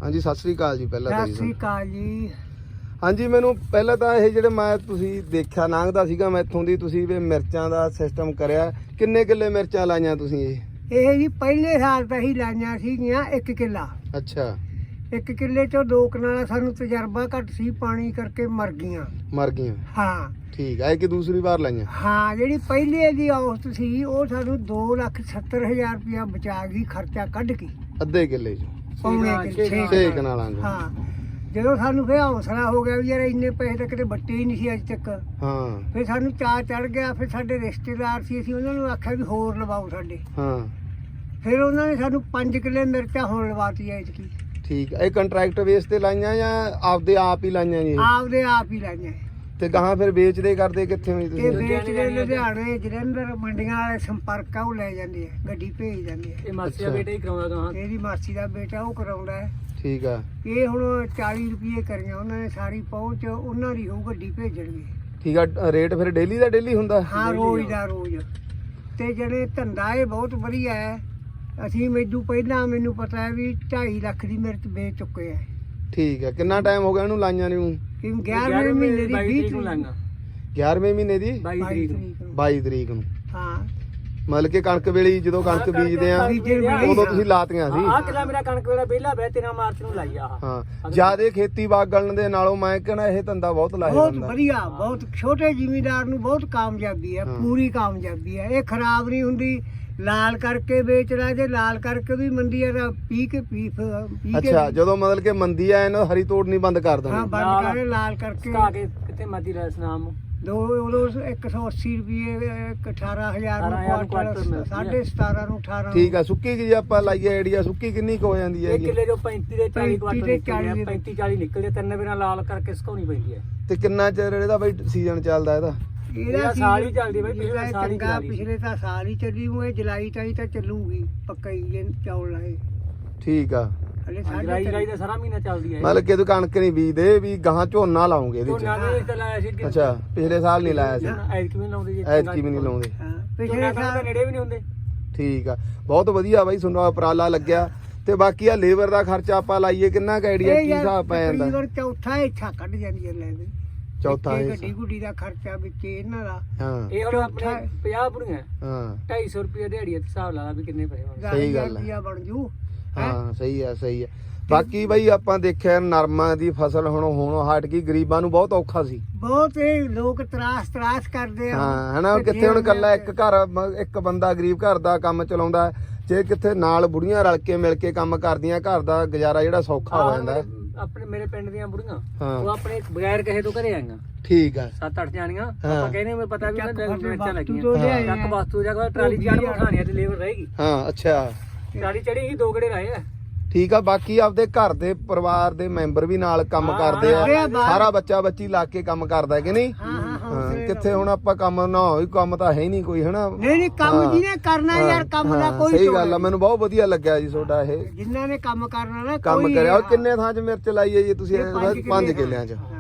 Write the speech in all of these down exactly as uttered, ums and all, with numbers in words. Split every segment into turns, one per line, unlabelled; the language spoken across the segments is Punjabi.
ਹਾਂਜੀ ਸਤਿ ਸ੍ਰੀ ਅਕਾਲ ਜੀ। ਪਹਿਲਾਂ ਤਾਂ
ਸਤਿ ਸ੍ਰੀ ਅਕਾਲ ਜੀ।
ਹਾਂਜੀ ਮੈਨੂੰ ਪਹਿਲਾਂ ਤਾਂ ਇਹ ਜਿਹੜੇ ਮੈਂ ਤੁਸੀਂ ਦੇਖਿਆ ਲੰਘਦਾ ਸੀਗਾ ਮੈਂ ਇੱਥੋਂ ਦੀ ਤੁਸੀਂ ਵੀ ਮਿਰਚਾਂ ਦਾ ਸਿਸਟਮ ਕਰਿਆ, ਕਿੰਨੇ ਕਿੱਲੇ ਮਿਰਚਾਂ ਲਾਈਆਂ ਤੁਸੀਂ? ਇਹ
ਇਹ ਜੀ ਪਹਿਲੇ ਸਾਲ ਤਾਂ ਹੀ ਲਾਈਆਂ ਸੀਗੀਆਂ ਇੱਕ ਕਿੱਲਾ।
ਅੱਛਾ।
ਇੱਕ ਕਿੱਲੇ ਚੋਂ ਦੋ ਕਨਾਲਾਂ ਸਾਨੂੰ ਤਜਰਬਾ ਘੱਟ ਸੀ, ਪਾਣੀ ਕਰਕੇ ਮਰ ਗਈਆਂ।
ਮਰ ਗਈਆਂ?
ਹਾਂ
ਠੀਕ ਹੈ। ਕਿ ਦੂਸਰੀ ਵਾਰ ਲਾਈਆਂ?
ਹਾਂ, ਜਿਹੜੀ ਪਹਿਲੇ ਦੀ ਔਸਤ ਸੀ ਉਹ ਸਾਨੂੰ ਦੋ ਲੱਖ ਸੱਤਰ ਹਜ਼ਾਰ ਰੁਪਇਆ ਬਚਾ ਗਈ, ਖਰਚਾ ਕੱਢ ਕੇ।
ਅੱਧੇ ਕਿੱਲੇ ਚ
ਪੌਣੇ ਕਿੱਲੇ
ਛੇ ਕਨਾਲਾਂ ਚ।
ਹਾਂ, ਜਦੋਂ ਸਾਨੂੰ ਫਿਰ ਹੌਸਲਾ ਹੋ ਗਿਆ ਵੀ ਯਾਰ ਇੰਨੇ ਪੈਸੇ ਤਾਂ ਕਿਤੇ ਵੱਟੇ ਹੀ ਨਹੀਂ ਸੀ ਅੱਜ ਤੱਕ।
ਹਾਂ।
ਫਿਰ ਸਾਨੂੰ ਚਾਅ ਚੜ ਗਿਆ। ਫਿਰ ਸਾਡੇ ਰਿਸ਼ਤੇਦਾਰ ਸੀ, ਅਸੀਂ ਉਹਨਾਂ ਨੂੰ ਆਖਿਆ ਵੀ ਹੋਰ ਲਵਾਓ ਸਾਡੇ।
ਹਾਂ। ਫਿਰ
ਉਹਨਾਂ ਨੇ ਸਾਨੂੰ ਪੰਜ ਕਿੱਲੇ ਮਿਰਚਾਂ ਹੁਣ ਲਵਾਤੀ ਐਤਕੀ।
ਠੀਕ ਹੈ। ਇਹ ਕੰਟਰੈਕਟ ਬੇਸ ਤੇ ਲਾਈਆਂ ਜਾਂ ਆਪਦੇ ਆਪ ਹੀ ਲਾਈਆਂ ਜੀ?
ਆਪਦੇ ਆਪ ਹੀ ਲਾਈਆਂ।
ਤੇ ਗਾਹਾਂ ਫਿਰ ਵੇਚਦੇ ਕਰਦੇ ਕਿੱਥੇ ਹੋਈ
ਇਹ
ਤੁਸੀਂ?
ਵੇਚਦੇ ਲੁਧਿਆਣੇ, ਜਲੰਧਰ, ਮੰਡੀਆਂ ਵਾਲੇ ਸੰਪਰਕ ਆ, ਉਹ ਲੈ ਜਾਂਦੇ ਆ, ਗੱਡੀ ਭੇਜ ਜਾਂਦੇ ਆ।
ਇਹ ਮਾਸੀ ਦਾ ਬੇਟਾ ਹੀ ਕਰਾਉਂਦਾ ਗਾਹਾਂ।
ਇਹਦੀ ਮਾਸੀ ਦਾ ਬੇਟਾ ਉਹ ਕਰਾਉਂਦਾ ਹੈ।
ਠੀਕ ਆ।
ਇਹ ਹੁਣ ਚਾਲੀ ਰੁਪਏ ਕਰੀਆਂ ਉਹਨਾਂ ਨੇ, ਸਾਰੀ ਪਹੁੰਚ ਉਹਨਾਂ ਦੀ ਹੋਊ, ਗੱਡੀ ਭੇਜਣਗੇ।
ਠੀਕ ਆ। ਰੇਟ ਫਿਰ ਡੇਲੀ ਦਾ ਡੇਲੀ ਹੁੰਦਾ?
ਹਾਂ, ਰੋਜ਼ ਦਾ ਰੋਜ਼। ਤੇ ਜਿਹੜੇ ਧੰਦਾ ਇਹ ਬਹੁਤ ਵਧੀਆ ਹੈ। ਅਸੀਂ ਮੈਨੂੰ ਪਹਿਲਾਂ ਮੈਨੂੰ ਪਤਾ ਹੈ ਵੀ ਢਾਈ ਲੱਖ ਦੀ ਮਿਰਚ ਵੇਚ ਚੁੱਕੇ ਆ।
ਠੀਕ ਹੈ। ਕਿੰਨਾ ਟਾਈਮ ਹੋ ਗਿਆ ਇਹਨੂੰ ਲਾਈਆਂ ਨੂੰ?
ਕਿ ਗਿਆਰਵੇਂ ਮਹੀਨੇ ਦੀ ਵੀਹ ਤਰੀਕ ਨੂੰ।
ਗਿਆਰਵੇਂ ਮਹੀਨੇ ਦੀ
ਬਾਈ ਤਰੀਕ ਨੂੰ।
ਬਾਈ ਤਰੀਕ ਨੂੰ।
ਹਾਂ,
ਮਤਲਬ ਕਿ ਕਣਕ ਵੇਲੇ ਜਦੋਂ ਕਣਕ ਬੀਜਦੇ ਆ ਉਦੋਂ ਤੁਸੀਂ ਲਾਤੀਆਂ ਸੀ?
ਆਹ ਕਿਲਾ ਮੇਰਾ ਕਣਕ ਵੇਲਾ ਵਿਹਲਾ ਪਿਆ, ਤੇਰਾਂ ਮਾਰਚ ਨੂੰ ਲਾਈ ਆ।
ਹਾਂ। ਜਿਆਦੇ ਖੇਤੀ ਬਾਗਣ ਦੇ ਨਾਲੋਂ ਮੈਂ ਕਹਿੰਦਾ ਇਹ ਧੰਦਾ ਬਹੁਤ ਲਾਹੇਵੰਦ
ਬਹੁਤ
ਹੁੰਦਾ।
ਵਧੀਆ, ਬਹੁਤ ਛੋਟੇ ਜ਼ਿਮੀਂਦਾਰ ਨੂੰ ਬਹੁਤ ਕਾਮਯਾਬੀ ਹੈ, ਪੂਰੀ ਕਾਮਯਾਬੀ ਹੈ। ਇਹ ਖਰਾਬ ਨਹੀਂ ਹੁੰਦੀ। ਲਾਲ ਕਰਕੇ ਵੇਚਦਾ, ਜੇ ਲਾਲ ਕਰਕੇ ਵੀ ਮੰਡੀ ਆ ਤਾਂ ਪੀ ਕੇ ਪੀ ਪੀ ਕੇ।
ਅੱਛਾ। ਜਦੋਂ ਮਤਲਬ ਕਿ ਮੰਦੀ ਆ ਇਹਨੂੰ ਹਰੀ ਤੋੜ ਨਹੀਂ ਬੰਦ ਕਰ
ਹਾਂ,
ਦੇਣੀ?
ਬੰਦ ਕਰੇ ਲਾਲ ਕਰਕੇ।
ਸੁਕਾ ਕੇ ਕਿੱਥੇ ਮਰਦੀ ਲੈ ਸਨਾਮ
ਦੋ ਉਦੋਂ ਇੱਕ ਸੌ ਅੱਸੀ ਰੁਪਏ, ਇੱਕ ਅਠਾਰਾਂ ਹਜ਼ਾਰ ਨੂੰ
ਅਠਾਰਾਂ
ਕੁਆਟਰ,
ਮਿਲਦੀ
ਸਾਢੇ ਸਤਾਰਾਂ ਨੂੰ ਅਠਾਰਾਂ।
ਠੀਕ ਆ। ਸੁੱਕੀ ਜੇ ਆਪਾਂ ਲਾਈਏ ਆਈਡੀਆ, ਸੁੱਕੀ ਕਿੰਨੀ ਕੁ ਹੋ ਜਾਂਦੀ
ਇੱਕ
ਹੈਗੀ?
ਕਿੱਲੇ ਜੋ ਪੈਂਤੀ ਦੇ ਚਾਲੀ ਕੁਆਟਰ
ਪੈਂਤੀ ਦੇ
ਨਿਕਲਦੇ, ਪੈਂਤੀ ਚਾਲੀ ਨਿਕਲਦੇ। ਤਿੰਨ ਬਿਨਾਂ ਲਾਲ ਕਰਕੇ ਸੁਕਾਉਣੀ ਪੈਂਦੀ ਹੈ।
ਤੇ ਕਿੰਨਾ ਚਿਰ ਇਹਦਾ ਬਈ ਸੀਜ਼ਨ ਚੱਲਦਾ ਇਹਦਾ?
ਇਹਦਾ
ਸਾਲ ਹੀ ਚੱਲਦੀ ਬਈ, ਪਿਛਲੇ
ਇਹਦਾ
ਸਾਲ ਹੀ
ਚੰਗਾ,
ਚੱਲੀ।
ਪਿਛਲੇ ਤਾਂ ਸਾਲ ਹੀ ਚੱਲੀ ਹੋਏ। ਜੁਲਾਈ ਤਾਈ ਤਾਂ ਚੱਲੂਗੀ ਪੱਕਾ ਹੀ, ਜੇ ਚੌਲ ਲਾਏ।
ਠੀਕ ਆ।
ਹਲੇ
ਜੁਲਾਈ
ਸਾਡੇ
ਜੁਲਾਈ ਦਾ ਸਾਰਾ ਮਹੀਨਾ ਚੱਲਦੀ ਹੈ।
ਮਤਲਬ ਕਿ ਤੂੰ ਕਣਕ ਨਹੀਂ ਬੀਜਦੇ ਵੀ ਗਾਹਾਂ ਝੋਨਾ ਲਾਉਂਗੇ ਇਹਦੇ
ਝੋਨਾ
ਚ?
ਦੇ ਤਾਂ ਲਾਇਆ ਸੀ ਅੱਗੇ।
ਅੱਛਾ। ਪਿਛਲੇ ਸਾਲ ਨਹੀਂ ਲਾਇਆ ਸੀ?
ਐਤਕੀ ਵੀ ਨੀ ਲਾਉਂਦੇ ਜੀ।
ਐਤਕੀ ਵੀ ਨਹੀਂ ਲਾਉਂਦੇ?
ਹਾਂ, ਪਿਛਲੇ
ਪਿਛਲੇ ਸਾਲ
ਸਾਲ
ਨੇੜੇ ਵੀ ਨਹੀਂ ਹੁੰਦੇ।
ਠੀਕ ਆ। ਬਹੁਤ ਵਧੀਆ ਬਾਈ ਤੁਹਾਨੂੰ ਉਪਰਾਲਾ ਲੱਗਿਆ। ਤੇ ਬਾਕੀ ਆ ਲੇਬਰ ਦਾ ਖਰਚਾ ਆਪਾਂ ਲਾਈਏ ਕਿੰਨਾ ਕੁ ਆਈਡੀਆ, ਕੀ ਹਿਸਾਬ ਪੈ ਜਾਂਦਾ?
ਤਕਰੀਬਨ ਚੌਥਾ ਇੱਛਾ ਕੱਢ ਜਾਂਦੀ ਹੈ ਲੈ ਦੇ।
ਚੌਥਾ
ਵਿੱਚੇ
ਹਿੱਸਾ।
ਗੱਡੀ ਗੁੱਡੀ ਦਾ ਖਰਚਾ ਵਿੱਚ ਇਹਨਾਂ ਦਾ।
ਹਾਂ।
ਇਹ ਹੁਣ ਆਪਣੇ
ਚੌਥਾ-
ਪੰਜਾਹ ਬੁੜੀਆਂ
ਹਾਂ।
ਢਾਈ ਸੌ ਰੁਪਏ ਦਿਹਾੜੀ ਤੇ ਹਿਸਾਬ ਲਾ ਲਾ ਵੀ ਕਿੰਨੇ ਪੈਸੇ ਬਣਦੇ।
ਸਹੀ ਗੱਲ ਹੈ।
ਰੁਪਇਆ ਬਣ ਜੂ।
ਹਾਂ ਸਹੀ ਆ ਸਹੀ ਆ। ਬਾਕੀ ਬਈ ਆਪਾਂ ਦੇਖਿਆ ਨਰਮਾ ਦੀ ਫਸਲ ਹੁਣ ਹੁਣ ਹਟ ਗਈ, ਗਰੀਬਾਂ ਨੂੰ ਬਹੁਤ ਔਖਾ ਸੀ।
ਬਹੁਤ ਇਹ ਲੋਕ ਤਰਾਸ ਤਰਾਸ ਕਰਦੇ ਆ।
ਹਾਂ ਹਨਾ। ਕਿੱਥੇ ਹੁਣ ਇਕੱਲਾ ਇੱਕ ਘਰ ਮ- ਇੱਕ ਬੰਦਾ ਗਰੀਬ ਘਰ ਦਾ ਕੰਮ ਚਲਾਉਂਦਾ, ਜੇ ਕਿੱਥੇ ਨਾਲ ਬੁੜੀਆਂ ਰਲ ਕੇ ਮਿਲ ਕੇ ਕੰਮ ਕਰਦੀਆਂ ਘਰ ਦਾ ਗੁਜ਼ਾਰਾ ਜਿਹੜਾ ਸੌਖਾ ਹੋ ਜਾਂਦਾ।
ਆਪਣੇ ਮੇਰੇ ਪਿੰਡ ਦੀਆਂ ਬੁੜੀਆਂ
ਹਾਂ।
ਉਹ ਆਪਣੇ ਬਗੈਰ ਕਹੇ ਤੋਂ ਘਰੇ ਆਈਆਂ
ਠੀਕ ਆ।
ਸੱਤ ਅੱਠ ਜਾਣੀਆਂ।
ਹਾਂ।
ਆਪਾਂ ਕਹਿੰਦੇ ਮੈਨੂੰ ਪਤਾ ਵੀ
ਚੱਕ
ਉਹਨਾਂ ਦੇ
ਵਸਤੂ
ਮਿਰਚਾਂ ਲੱਗੀਆਂ।
ਤੋਂ ਲਿਆਏ
ਚੱਕ
ਆ।
ਵਸਤੂ ਜਾਂ ਟਰਾਲੀ ਚੜ੍ਹ ਬਿਠਾਣੀਆਂ ਤੇ ਲੇਬਰ ਰਹੇਗੀ।
ਹਾਂ। ਅੱਛਾ।
ਟਰਾਲੀ ਚੜੀ ਹੀ ਦੋ ਗੜੇ ਲਾਏ ਆ।
ਠੀਕ ਆ। ਬਾਕੀ ਆਪਦੇ ਘਰ ਦੇ ਪਰਿਵਾਰ ਦੇ ਮੈਂਬਰ ਵੀ ਨਾਲ ਕੰਮ
ਹਾਂ,
ਕਰਦੇ
ਹਾਂ,
ਆ,
ਹਾਂ।
ਸਾਰਾ ਬੱਚਾ ਬੱਚੀ ਲਾ ਕੇ ਕੰਮ ਕਰਦਾ ਕਿ ਨਹੀਂ?
ਹਾਂ ਹਾਂ
ਹਾਂ।
ਹਾਂ।
ਕਿੱਥੇ ਹੁਣ ਆਪਾਂ ਕੰਮ ਨਾ ਹੋਈ, ਕੰਮ ਤਾਂ ਹੈ ਹੀ ਨਹੀਂ ਕੋਈ ਹਨਾ।
ਨਹੀਂ ਨਹੀਂ, ਕੰਮ
ਹਾਂ।
ਜਿਹਨੇ ਕਰਨਾ ਯਾਰ, ਕੰਮ ਦਾ
ਹਾਂ,
ਕੋਈ
ਸਹੀ
ਤੋੜ
ਗੱਲ ਆ।
ਨਹੀਂ।
ਮੈਨੂੰ ਬਹੁਤ ਵਧੀਆ ਲੱਗਿਆ ਜੀ ਤੁਹਾਡਾ ਇਹ
ਜਿਨ੍ਹਾਂ ਨੇ ਕੰਮ ਕਰਨਾ ਨਾ
ਕੰਮ
ਕੋਈ-
ਕਰਿਆ। ਉਹ ਕਿੰਨੇ ਥਾਂ 'ਚ ਮਿਰਚ ਲਾਈ ਹੈ ਜੀ ਤੁਸੀਂ?
ਇਹ ਪੰਜ
ਪੰਜ
ਕਿੱਲੇ
ਕਿੱਲਿਆਂ 'ਚ।
ਹਾਂ।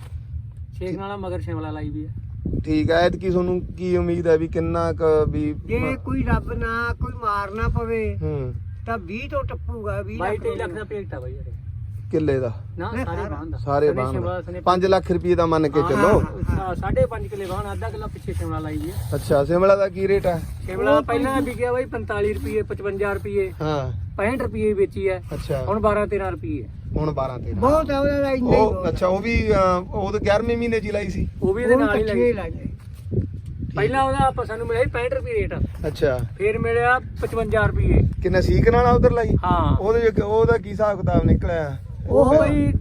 ਛੇ ਨਾਲ ਮਗਰ ਸ਼ਿਮਲਾ ਲਾਈ ਵੀ ਆ।
ਠੀਕ ਹੈ। ਐਤਕੀ ਤੁਹਾਨੂੰ ਕੀ ਉਮੀਦ ਹੈ ਵੀ ਕਿੰਨਾ ਕੁ ਵੀ?
ਜੇ ਕੋਈ ਰੱਬ ਨਾ ਕੋਈ ਮਾਰ ਨਾ ਪਵੇ
ਹੂੰ।
ਤਾਂ ਵੀਹ ਤੋਂ ਟੱਪੂਗਾ। ਵੀਹ
ਬਾਈ
ਲੱਖ
ਤੇਈ ਲੱਖ ਦਾ ਪੇਟ ਆ ਬਾਈ ਯਾਰ।
ਕਿੱਲੇ ਦਾ?
ਨਾ
ਨਹੀਂ,
ਸਾਰੇ
ਸਾਰਾ।
ਬਾਹਨ ਦਾ
ਸਾਰੇ ਬਾਣ ਪੰਜ ਲੱਖ ਰੁਪਏ ਦਾ ਮੰਨ ਕੇ ਚੱਲੋ।
ਹਾਂ, ਸਾਢੇ ਪੰਜ ਕਿੱਲੇ ਬਾਹਨ, ਅੱਧਾ ਕਿੱਲਾ ਪਿੱਛੇ ਸ਼ਿਮਲਾ ਲਾਈ ਵੀ ਆ।
ਅੱਛਾ। ਸ਼ਿਮਲਾ ਦਾ ਕੀ ਰੇਟ ਹੈ?
ਸ਼ਿਮਲਾ ਪਹਿਲਾਂ ਵਿਕਿਆ ਬਾਈ ਪੰਤਾਲੀ ਰੁਪਏ, ਪਚਵੰਜਾ ਰੁਪਏ,
ਹਾਂ।
ਪੈਂਹਠ ਰੁਪਏ ਵੇਚੀ ਹੈ।
ਅੱਛਾ।
ਹੁਣ ਬਾਰਾਂ ਤੇਰਾਂ ਰੁਪਏ।
ਹੁਣ ਬਾਰਾਂ ਤੇਰਾਂ।
ਬਹੁਤ ਆ ਉਹਦਾ ਇੰਨਾ ਹੀ
ਉਹ
ਬਹੁਤ।
ਅੱਛਾ। ਉਹ ਵੀ ਅਹ, ਉਹ ਤਾਂ ਗਿਆਰਵੇਂ ਮਹੀਨੇ 'ਚ ਹੀ ਲਾਈ ਸੀ?
ਉਹ ਵੀ ਇਹਦੇ ਨਾਲ ਹੀ
ਇਕੱਠੇ
ਲਾਈ।
ਲਾਏ।
ਪਹਿਲਾਂ ਉਹਦਾ ਆਪਾਂ ਸਾਨੂੰ ਮਿਲਿਆ ਸੀ ਪੈਂਹਠ ਰੁਪਏ ਰੇਟ,
ਅੱਛਾ।
ਫਿਰ ਮਿਲਿਆ ਪਚਵੰਜਾ ਰੁਪਏ।
ਕਿੰਨਾ ਸੀਕ ਨਾਲ ਉਧਰ ਲਾਈ?
ਹਾਂ।
ਉਹਦੇ ਚ- ਉਹਦਾ ਕੀ ਹਿਸਾਬ ਕਿਤਾਬ ਨਿਕਲਿਆ?
ਉਹ ਬਈ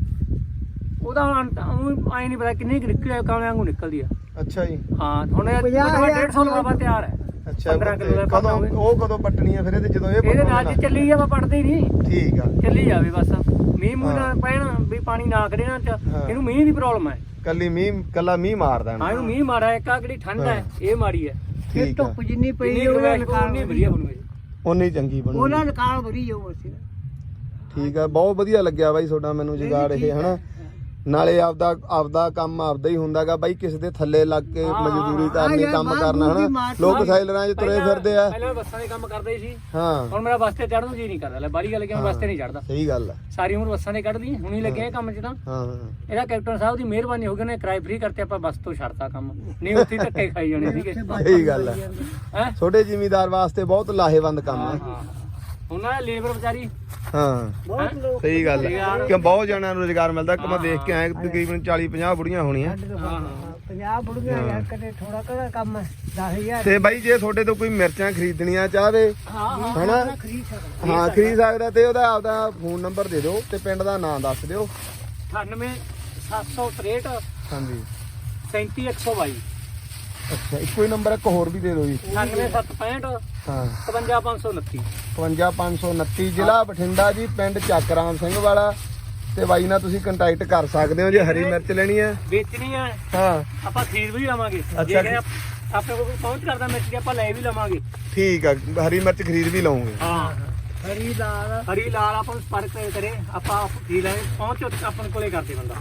ਉਹਦਾ ਹੁਣ ਆਏ ਨਹੀਂ ਪਤਾ ਕਿੰਨੀ ਕੁ ਨਿਕਲਿਆ, ਕਾਲੇ ਵਾਂਗੂ ਨਿਕਲਦੀ ਆ।
ਅੱਛਾ ਜੀ।
ਹਾਂ। ਹੁਣ
ਪੰਜਾਹ ਹਜ਼ਾਰ
ਡੇਢ ਸੌ ਲਵਾਵਾ ਤਿਆਰ ਹੈ।
ਅੱਛਾ।
ਪੰਦਰਾਂ ਕਿੱਲੋ ਦਾ ਕੰਮ
ਕਦੋਂ
ਹੋਵੇ।
ਉਹ ਕਦੋਂ ਪੱਟਣੀ ਆ ਫਿਰ ਇਹਦੇ ਜਦੋਂ ਇਹ
ਇਹਦੇ ਨਾਲ
ਪੱਟਣਾ?
ਜੇ ਚੱਲੀ ਜਾਵਾ ਪੜਦੇ ਹੀ ਨਹੀਂ,
ਠੀਕ ਆ।
ਚੱਲੀ ਜਾਵੇ ਬਸ। ਮੀਂਹ ਮੂੰਹ
ਹਾਂ।
ਨਾ ਪੈਣ ਵੀ ਪਾਣੀ ਨਾ ਕਰੇ ਨਾ ਚ
ਹਾਂ।
ਇਹਨੂੰ ਮੀਂਹ ਦੀ ਪ੍ਰੋਬਲਮ ਹੈ।
ਕੱਲੀ ਮੀਂਹ ਕੱਲਾ ਮੀਂਹ ਮਾਰਦਾ
ਹਾਂ, ਇਹਨੂੰ ਮੀਂਹ ਮਾਰਾ ਇੱਕ ਆ ਕਿਹੜੀ ਠੰਡ ਹੈ ਇਹ ਮਾਰੀ ਹੈ।
ਫਿਰ
ਠੀਕ ਆ।
ਧੁੱਪ ਜਿੰਨੀ ਪਈ
ਜਿੰਨੀ
ਉਹਦਾ
ਗਰਮੈਸ਼
ਨਿਕਾਲ
ਉਨੀ ਵਧੀਆ ਬਣੂਗੀ।
ਉਨੀ ਚੰਗੀ ਬਣੂ।
ਉਹਦਾ ਨਿਕਾਲ ਵਰੀ ਜਾਊ ਅਸੀਂ।
ਠੀਕ ਆ। ਬਹੁਤ ਵਧੀਆ ਲੱਗਿਆ ਬਾਈ ਤੁਹਾਡਾ ਮੈਨੂੰ ਜੁਗਾੜ ਇਹ ਹਨਾ। ਨਾਲੇ ਆਪਦਾ ਆਪਦਾ ਕੰਮ ਆਪਦਾ ਹੀ ਹੁੰਦਾਗਾ ਬਾਈ, ਕਿਸੇ ਦੇ ਥੱਲੇ ਲੱਗ ਕੇ ਮਜ਼ਦੂਰੀ ਕਰਨੀ,
ਹਾਂ,
ਕੰਮ
ਬਾਹਰ
ਕਰਨਾ
ਬੂਹ ਦੀ
ਹਨਾ।
ਮਾਰ
ਲੋਕ ਸਾਈਲਰਾਂ 'ਚ ਤੁਰੇ ਫਿਰਦੇ ਆ।
ਪਹਿਲਾਂ ਬੱਸਾਂ ਦੇ ਕੰਮ ਕਰਦੇ ਸੀ,
ਹਾਂ
ਹੁਣ ਮੇਰਾ ਬੱਸ ਤੇ ਚੜ੍ਹਨ ਨੂੰ ਜੀ ਨਹੀਂ ਕਰਦਾ। ਲੈ ਬਾਹਰੀ ਗੱਲ ਕਿ ਮੈਂ ਬੱਸ ਤੇ ਨਹੀਂ ਚੜਦਾ,
ਸਹੀ ਗੱਲ ਆ।
ਸਾਰੀ ਉਮਰ ਬੱਸਾਂ ਦੇ ਕੱਢਦੀ, ਹੁਣ ਹੀ ਲੱਗਿਆ ਇਹ ਕੰਮ 'ਚ ਤਾਂ।
ਹਾਂ ਹਾਂ
ਇਹਦਾ ਕੈਪਟਨ ਸਾਹਿਬ ਦੀ ਮਿਹਰਬਾਨੀ ਹੋ ਗਈ, ਉਹਨੇ ਕਿਰਾਏ ਫ੍ਰੀ ਕਰਤੇ, ਆਪਾਂ ਬੱਸ ਤੋਂ ਛੱਡਤਾ ਕੰਮ, ਨਹੀਂ ਉੱਥੇ ਹੀ ਧੱਕੇ ਖਾਈ ਜਾਣੇ ਸੀਗੇ।
ਸਹੀ ਗੱਲ ਆ।
ਹੈ
ਛੋਟੇ ਜ਼ਿਮੀਂਦਾਰ ਵਾਸਤੇ ਬਹੁਤ ਲਾਹੇਵੰਦ ਕੰਮ ਆ।
ਉਹਨਾਂ ਨੇ ਲੇਬਰ ਵਿਚਾਰੀ
ਹਾਂ
ਬਹੁਤ ਲੋਕ
ਸਹੀ ਗੱਲ ਆ, ਕਿ ਬਹੁਤ ਜਣਿਆਂ ਨੂੰ ਰੁਜ਼ਗਾਰ ਮਿਲਦਾ। ਕਿ ਮੈਂ ਦੇਖ ਕੇ ਆਇਆ ਤਕਰੀਬਨ ਚਾਲੀ ਪੰਜਾਹ ਬੁੜੀਆਂ ਹੋਣੀਆਂ।
ਪੰਜਾਬ ਬੁੜੀਆਂ ਯਾਰ ਕਦੇ ਥੋੜਾ ਕਦਾ ਕੰਮ ਦਸ ਹਜ਼ਾਰ
ਤੇ ਬਾਈ ਜੇ ਤੁਹਾਡੇ ਤੋਂ ਕੋਈ ਮਿਰਚਾਂ ਖਰੀਦਣੀਆਂ ਚਾਹਵੇ ਹਨਾ,
ਖਰੀਦ ਸਕਦਾ।
ਹਾਂ ਖਰੀਦ ਸਕਦਾ, ਤੇ ਉਹਦਾ ਆਪਦਾ ਫੋਨ ਨੰਬਰ ਦੇ ਦਿਓ ਤੇ ਪਿੰਡ ਦਾ ਨਾਮ ਦੱਸ ਦਿਓ।
ਅਠਾਨਵੇਂ ਸੱਤ ਸੌ ਤਰੇਹਠ
ਹਾਂਜੀ
ਸੈਂਤੀ ਇੱਕ ਸੌ ਬਾਈ।
ਅੱਛਾ ਇੱਕੋ ਹੀ ਨੰਬਰ ਇੱਕ ਹੋਰ ਵੀ ਦੇ ਦਿਓ ਜੀ।
ਅਠਾਨਵੇਂ ਸੱਤ ਪੈਂਹਠ
ਹਾਂ
ਇਕਵੰਜਾ ਪੰਜ ਸੌ ਉਨੱਤੀ।
ਇਕਵੰਜਾ ਪੰਜ ਸੌ ਉਨੱਤੀ, ਜ਼ਿਲ੍ਹਾ ਬਠਿੰਡਾ ਜੀ, ਪਿੰਡ ਚੱਕ ਰਾਮ ਸਿੰਘ ਵਾਲਾ। ਤੇ ਬਾਈ ਨਾਲ ਤੁਸੀਂ ਕੰਟੈਕਟ ਕਰ ਸਕਦੇ ਹੋ ਜੇ ਹਰੀ ਮਿਰਚ ਲੈਣੀ ਹੈ।
ਵੇਚਣੀ ਹੈ
ਹਾਂ
ਆਪਾਂ ਖਰੀਦ ਵੀ ਲਵਾਂਗੇ,
ਅੱਛਾ।
ਜੇ ਕਹਿੰਦੇ ਆਪ- ਆਪਣੇ ਕੋਲ ਕੋਈ ਪਹੁੰਚ ਕਰਦਾ ਮਿਰਚ ਦੀ ਆਪਾਂ ਲੈ ਵੀ ਲਵਾਂਗੇ।
ਠੀਕ ਆ, ਹਰੀ ਮਿਰਚ ਖਰੀਦ ਵੀ ਲਵਾਂਗੇ।
ਹਾਂ
ਖਰੀਦਾਰ
ਹਰੀ ਲਾਲ ਆਪਾਂ ਨੂੰ ਸੰਪਰਕ ਕਰੇ, ਆਪਾਂ ਖਰੀਦ ਲਾਂਗੇ, ਪਹੁੰਚ ਉੱਥੇ ਆਪਣੇ ਕੋਲੇ ਕਰਦੇ ਬੰਦਾ।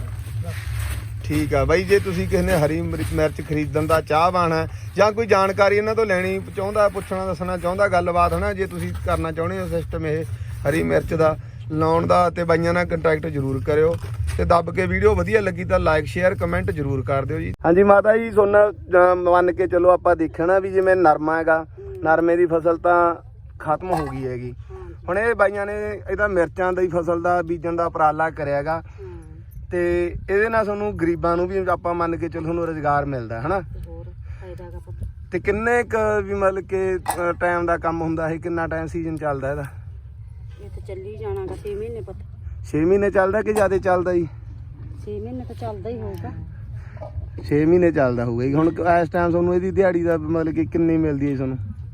ਠੀਕ ਆ ਬਾਈ, ਜੇ ਤੁਸੀਂ ਕਿਸੇ ਨੇ ਹਰੀ ਮਿਰਚ ਮਿਰਚ ਖਰੀਦਣ ਦਾ ਚਾਹਵਾਨ ਹੈ ਜਾਂ ਕੋਈ ਜਾਣਕਾਰੀ ਇਹਨਾਂ ਤੋਂ ਲੈਣੀ ਚਾਹੁੰਦਾ, ਪੁੱਛਣਾ ਦੱਸਣਾ ਚਾਹੁੰਦਾ ਗੱਲਬਾਤ ਹਨਾ, ਜੇ ਤੁਸੀਂ ਕਰਨਾ ਚਾਹੁੰਦੇ ਹੋ ਸਿਸਟਮ ਇਹ ਹਰੀ ਮਿਰਚ ਦਾ ਲਾਉਣ ਦਾ, ਤੇ ਬਾਈਆਂ ਨਾਲ ਕੰਟੈਕਟ ਜ਼ਰੂਰ ਕਰਿਓ। ਤੇ ਦੱਬ ਕੇ ਵੀਡੀਓ ਵਧੀਆ ਲੱਗੀ ਤਾਂ ਲਾਈਕ ਸ਼ੇਅਰ ਕਮੈਂਟ ਜ਼ਰੂਰ ਕਰ ਦਿਓ ਜੀ। ਹਾਂਜੀ ਮਾਤਾ ਜੀ, ਸੋਨਾ ਮੰਨ ਕੇ ਚਲੋ ਆਪਾਂ ਦੇਖਣਾ ਵੀ ਜਿਵੇਂ ਨਰਮਾ ਹੈਗਾ, ਨਰਮੇ ਦੀ ਫਸਲ ਤਾਂ ਖਤਮ ਹੋ ਗਈ ਹੈਗੀ, ਹੁਣ ਇਹ ਬਾਈਆਂ ਨੇ ਇਹਦਾ ਮਿਰਚਾਂ ਦੀ ਫਸਲ ਦਾ ਬੀਜਣ ਦਾ ਉਪਰਾਲਾ ਕਰਿਆ ਹੈਗਾ, ਤੇ ਇਹਦੇ ਨਾਲ ਤੁਹਾਨੂੰ ਗਰੀਬਾਂ ਨੂੰ ਵੀ ਆਪਾਂ ਮੰਨ ਕੇ ਚਲੋ ਤੁਹਾਨੂੰ ਰੁਜ਼ਗਾਰ ਮਿਲਦਾ ਹਨਾ। ਤੇ ਕਿੰਨੇ ਕ ਵੀ ਮਤਲਬ ਕਿ ਟਾਈਮ ਦਾ ਕੰਮ ਹੁੰਦਾ ਇਹ, ਕਿੰਨਾ ਟਾਈਮ ਸੀਜ਼ਨ ਚੱਲਦਾ ਇਹਦਾ?
ਇਹ ਤਾਂ ਚੱਲੀ ਜਾਣਾਗਾ ਛੇ ਮਹੀਨੇ ਪਤਾ
ਛੇ ਮਹੀਨੇ ਚੱਲਦਾ ਕਿ ਜ਼ਿਆਦਾ ਚੱਲਦਾ ਜੀ?
ਛੇ ਮਹੀਨੇ ਤਾਂ ਚੱਲਦਾ ਹੀ ਹੋਊਗਾ।
ਛੇ ਮਹੀਨੇ ਚੱਲਦਾ ਹੋਊਗਾ ਜੀ। ਹੁਣ ਇਸ ਟਾਈਮ ਤੁਹਾਨੂੰ ਇਹਦੀ ਦਿਹਾੜੀ ਦਾ ਮਤਲਬ ਕਿ ਕਿੰਨੀ ਮਿਲਦੀ ਹੈ ਤੁਹਾਨੂੰ?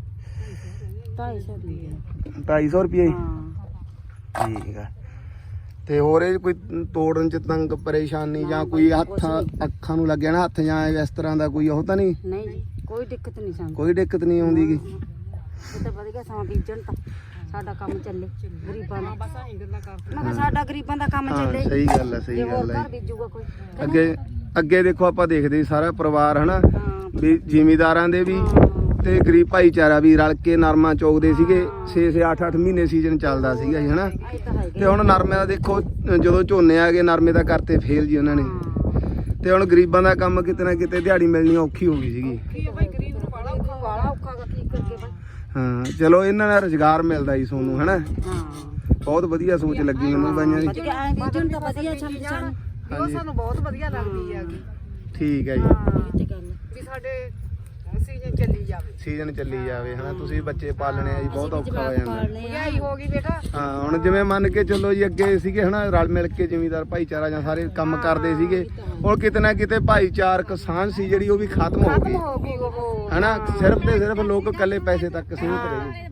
ਢਾਈ ਸੌ ਰੁਪਏ।
ਢਾਈ ਸੌ ਰੁਪਏ ਜੀ?
ਹਾਂ
ਠੀਕ ਆ। ਤੇ ਹੋਰ ਇਹ ਕੋਈ ਤੋੜਨ ਚ ਤੰਗ ਪਰੇਸ਼ਾਨੀ ਜਾਂ ਕੋਈ ਹੱਥ ਅੱਖਾਂ ਨੂੰ ਲੱਗਿਆ ਨਾ ਹੱਥ ਜਾਂ ਇਸ ਤਰ੍ਹਾਂ ਦਾ ਕੋਈ ਉਹ ਤਾਂ ਨਹੀਂ?
ਨਹੀਂ ਜੀ ਕੋਈ ਦਿੱਕਤ ਨਹੀਂ ਸਾਨੂੰ,
ਕੋਈ ਦਿੱਕਤ ਨਹੀਂ ਆਉਂਦੀ ਗੀ?
ਇਹ ਤਾਂ ਵਧੀਆ ਸਮਾਂ ਬੀਜਣ ਤਾਂ ਸਾਡਾ ਕੰਮ ਚੱਲੇ ਗਰੀਬਾਂ ਦਾ। ਮੈਂ ਕਿਹਾ ਸਾਡਾ ਗਰੀਬਾਂ ਦਾ ਕੰਮ
ਹਾਂ
ਚੱਲੇ,
ਸਹੀ ਗੱਲ ਹੈ, ਸਹੀ
ਜੇ ਹੋਰ
ਗੱਲ ਹੈ।
ਘਰ ਬੀਜੂਗਾ ਕੋਈ।
ਅੱਗੇ ਅੱਗੇ ਦੇਖੋ ਆਪਾਂ ਦੇਖਦੇ ਸੀ ਸਾਰਾ ਪਰਿਵਾਰ ਹਨਾ,
ਹਾਂ
ਵੀ ਜ਼ਿਮੀਦਾਰਾਂ ਦੇ ਵੀ ਤੇ ਗਰੀਬ ਭਾਈਚਾਰਾ ਵੀ ਰਲ ਕੇ ਨਰਮਾ ਚੋਗਦੇ ਸੀਗੇ। ਛੇ ਛੇ ਅੱਠ ਅੱਠ ਮਹੀਨੇ ਸੀਜ਼ਨ ਚੱਲਦਾ ਸੀਗਾ ਜੀ ਹਨਾ।
ਇਹ ਤਾਂ ਹੈਗੇ।
ਤੇ ਹੁਣ ਨਰਮੇ ਦਾ ਦੇਖੋ ਜਦੋਂ ਝੋਨੇ ਆ ਗਏ ਨਰਮੇ ਦਾ ਕਰਤੇ ਫੇਲ ਜੀ ਉਹਨਾਂ ਨੇ, ਤੇ ਹੁਣ ਗਰੀਬਾਂ ਦਾ ਕੰਮ ਕਿਤੇ ਨਾ ਕਿਤੇ ਦਿਹਾੜੀ ਮਿਲਣੀ ਔਖੀ ਹੋ ਗਈ ਸੀਗੀ।
ਬਾਲਾ ਔਖਾ ਗਾ ਕੀ ਕਰਕੇ ਬਾਈ।
ਹਾਂ ਚਲੋ ਇਹਨਾਂ ਦਾ ਰੁਜ਼ਗਾਰ ਮਿਲਦਾ ਜੀ ਤੁਹਾਨੂੰ ਹਨਾ।
ਹਾਂ
ਬਹੁਤ ਵਧੀਆ ਸੋਚ ਲੱਗੀ ਮੈਨੂੰ ਬਾਈਆਂ ਦੀ।
ਵਧੀਆ ਐ ਬੀਜਣ ਤਾਂ ਵਧੀਆ ਛੰਮ ਛੰਮ।
ਹਾਂਜੀ
ਸਾਨੂੰ ਬਹੁਤ ਵਧੀਆ ਲੱਗਦੀ ਹੈਗੀ
ਠੀਕ ਹੈ ਜੀ,
ਇਹ ਤੇ ਗੱਲ ਹੈ।
ਵੀ ਸਾਡੇ ਸੀਜ਼ਨ ਚੱਲੀ ਜਾਵੇ,
ਸੀਜ਼ਨ ਚੱਲੀ ਜਾਵੇ ਹਨਾ। ਤੁਸੀਂ ਬੱਚੇ ਪਾਲਣੇ ਆ ਜੀ, ਬਹੁਤ ਔਖਾ ਹੋ ਜਾਂਦਾ।
ਮਹਿੰਗਾਈ ਹੋ ਗਈ ਬੇਟਾ।
ਹਾਂ ਹੁਣ ਜਿਵੇਂ ਮੰਨ ਕੇ ਚੱਲੋ ਜੀ ਅੱਗੇ ਸੀਗੇ ਹਨਾ ਰਲ ਮਿਲ ਕੇ ਜ਼ਿਮੀਂਦਾਰ ਭਾਈਚਾਰਾ ਜਾਂ ਸਾਰੇ ਕੰਮ ਕਰਦੇ ਸੀਗੇ, ਹੁਣ ਕਿਤੇ ਨਾ ਕਿਤੇ ਭਾਈਚਾਰਕ ਸਾਂਝ ਸੀ ਜਿਹੜੀ ਉਹ ਵੀ ਖਤਮ ਹੋ ਗਈ
ਹੋ ਗਈ ਉਹ
ਹਨਾ। ਸਿਰਫ ਤੇ ਸਿਰਫ ਲੋਕ ਇਕੱਲੇ ਪੈਸੇ ਤੱਕ ਸੀਮਿਤ ਰਹੇ ਨੇ।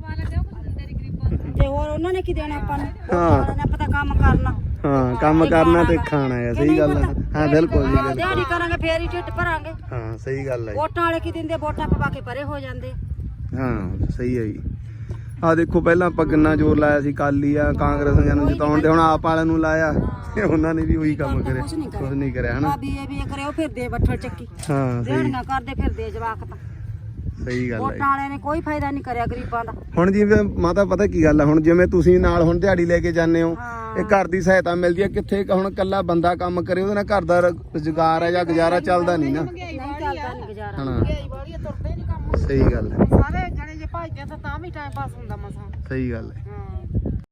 ਤੇ ਹੋਰ ਉਹਨਾਂ ਨੇ ਕੀ ਦੇਣਾ ਆਪਾਂ ਨੂੰ?
ਹਾਂ।
ਆਪਾਂ ਤਾਂ ਕੰਮ ਕਰਨਾ।
ਹਾਂ ਕੰਮ ਕਰਨਾ ਤੇ ਖਾਣਾ ਹੈ, ਸਹੀ ਗੱਲ ਹੈ। ਹਾਂ ਬਿਲਕੁਲ ਜੀ ਬਿਲਕੁਲ।
ਦਿਹਾੜੀ ਕਰਾਂਗੇ ਫੇਰ ਹੀ ਢਿੱਡ ਭਰਾਂਗੇ।
ਹਾਂ ਸਹੀ ਗੱਲ ਹੈ ਜੀ।
ਵੋਟਾਂ ਵਾਲੇ ਕੀ ਦਿੰਦੇ, ਵੋਟਾਂ ਪਵਾ ਕੇ ਪਰੇ ਹੋ ਜਾਂਦੇ।
ਹਾਂ ਸਹੀ ਹੈ ਜੀ। ਆ ਦੇਖੋ ਪਹਿਲਾਂ ਆਪਾਂ ਕਿੰਨਾ ਜ਼ੋਰ ਲਾਇਆ ਸੀ ਕਾਲੀ ਆ ਕਾਂਗਰਸੀਆਂ ਨੂੰ ਜਿਤਾਉਣ ਤੇ ਹੁਣ ਆਪ ਵਾਲਿਆਂ ਨੂੰ ਲਾਇਆ ਤੇ ਉਹਨਾਂ ਨੇ ਵੀ ਉਹੀ ਕੰਮ ਕਰਿਆ, ਕੁਝ ਨਹੀਂ ਕਰਿਆ ਹਨਾ।
ਭਾਬੀ ਇਹ ਵੀ ਇਹ ਕਰਿਓ ਫਿਰਦੇ ਬੱਠਲ ਚੱਕੀ,
ਹਾਂ ਸਹੀ
ਦਿਹਾੜੀਆਂ ਕਰਦੇ ਫਿਰਦੇ ਜਵਾਕ ਤਾਂ।
ਸਹੀ ਗੱਲ ਹੈ।
ਵੋਟਾਂ ਵਾਲਿਆਂ ਨੇ ਕੋਈ ਫਾਇਦਾ ਨਹੀਂ ਕਰਿਆ ਗਰੀਬਾਂ ਦਾ।
ਹੁਣ ਜਿਵੇਂ ਮਾਤਾ ਪਤਾ ਕੀ ਗੱਲ ਆ, ਹੁਣ ਜਿਵੇਂ ਤੁਸੀਂ ਨਾਲ ਹੁਣ ਦਿਹਾੜੀ ਲੈ ਕੇ ਜਾਂਦੇ ਹੋ,
ਹਾਂ।
ਇਹ ਘਰ ਦੀ ਸਹਾਇਤਾ ਮਿਲਦੀ ਹੈ ਕਿੱਥੇ ਕੁ ਹੁਣ ਕੱਲਾ ਬੰਦਾ ਕੰਮ ਕਰੇ ਉਹਦੇ ਨਾਲ ਘਰ ਦਾ ਰੁਜ਼ਗਾਰ ਹੈ ਜਾਂ ਗੁਜ਼ਾਰਾ ਚੱਲਦਾ ਨਹੀਂ ਨਾ
ਨਹੀਂ ਚੱਲਦਾ ਨਹੀਂ ਗੁਜ਼ਾਰਾ।
ਹਨਾ।
ਮਹਿੰਗਾਈ ਵਾਲੀ ਆ, ਤੁਰਦੇ ਨਹੀਂ ਕੰਮ।
ਸਹੀ ਗੱਲ ਹੈ,
ਸਾਰੇ ਜਣੇ ਜੇ ਭੱਜਦੇ ਆ ਤਾਂ ਤਾਂ ਵੀ ਟਾਈਮ ਪਾਸ ਹੁੰਦਾ ਮਸਾਂ।
ਸਹੀ ਗੱਲ ਹੈ।
ਹਾਂ